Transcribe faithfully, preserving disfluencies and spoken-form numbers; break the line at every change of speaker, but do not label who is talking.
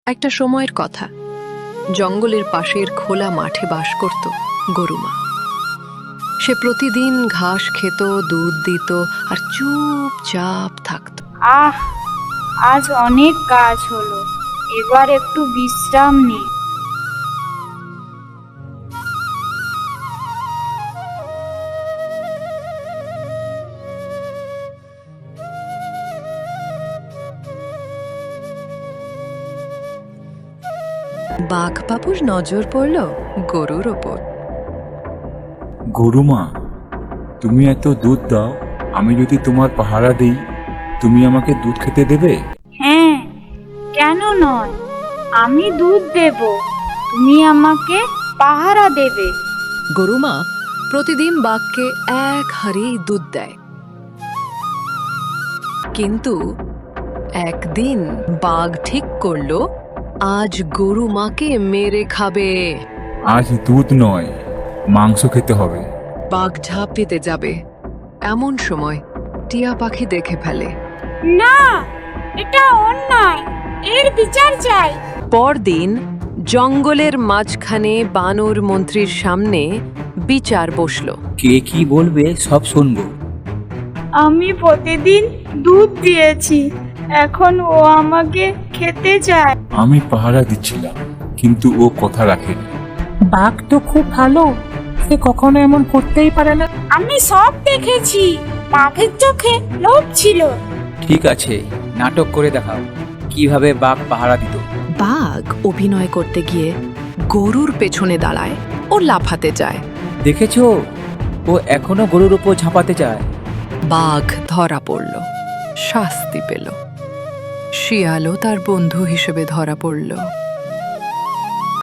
একটা সময়ের কথা, জঙ্গলের পাশের খোলা মাঠে বাস করত গরুমা। সে প্রতিদিন ঘাস খেত, দুধ দিত আর চুপচাপ থাকত।
আহ, আজ অনেক কাজ হলো, এবার একটু বিশ্রাম নে।
বাঘ বাবুর নজর পড়ল গরুর ওপর।
গরুমা, তুমি এত দুধ দাও, আমি যদি তোমার পাহারা দিই তুমি আমাকে দুধ খেতে দেবে?
হ্যাঁ, কেন নয়, আমি দুধ দেব, তুমি আমাকে পাহারা দেবে।
গরুমা প্রতিদিন বাঘকে এক হাঁড়ি দুধ দেয়। কিন্তু একদিন বাঘ ঠিক করলো আজ গরুমাকে মেরে খাবে।
আজ দুধ নয়, মাংস খেতে হবে।
বাঘ ঝাঁপ দিতে যাবে, এমন সময় টিয়া পাখি দেখে ফেলে।
না, এটা অন্যায়, এর বিচার চাই।
পরদিন জঙ্গলের মাঝখানে বানর মন্ত্রীর সামনে বিচার বসলো।
কে কি বলবে সব শুনবো।
আমি প্রতিদিন দুধ দিয়েছি, এখন ও আমাকে খেতে চায়।
আমি পাহারা দিচ্ছিলাম, কিন্তু ও কথা রাখেনি।
বাঘ তো খুব ভালো, সে কখনো এমন করতেই পারে না।
আমি সব দেখেছি, বাঘের চোখে লোভ ছিল।
ঠিক আছে, নাটক করে দেখাও কিভাবে বাঘ পাহারা দিত।
বাঘ অভিনয় করতে গিয়ে গরুর পেছনে দাঁড়ায় ও লাফাতে যায়।
দেখেছো, ও এখনো গরুর উপর ঝাঁপাতে চায়।
বাঘ ধরা পড়ল, শাস্তি পেল। শিয়ালও তার বন্ধু হিসেবে ধরা পড়ল।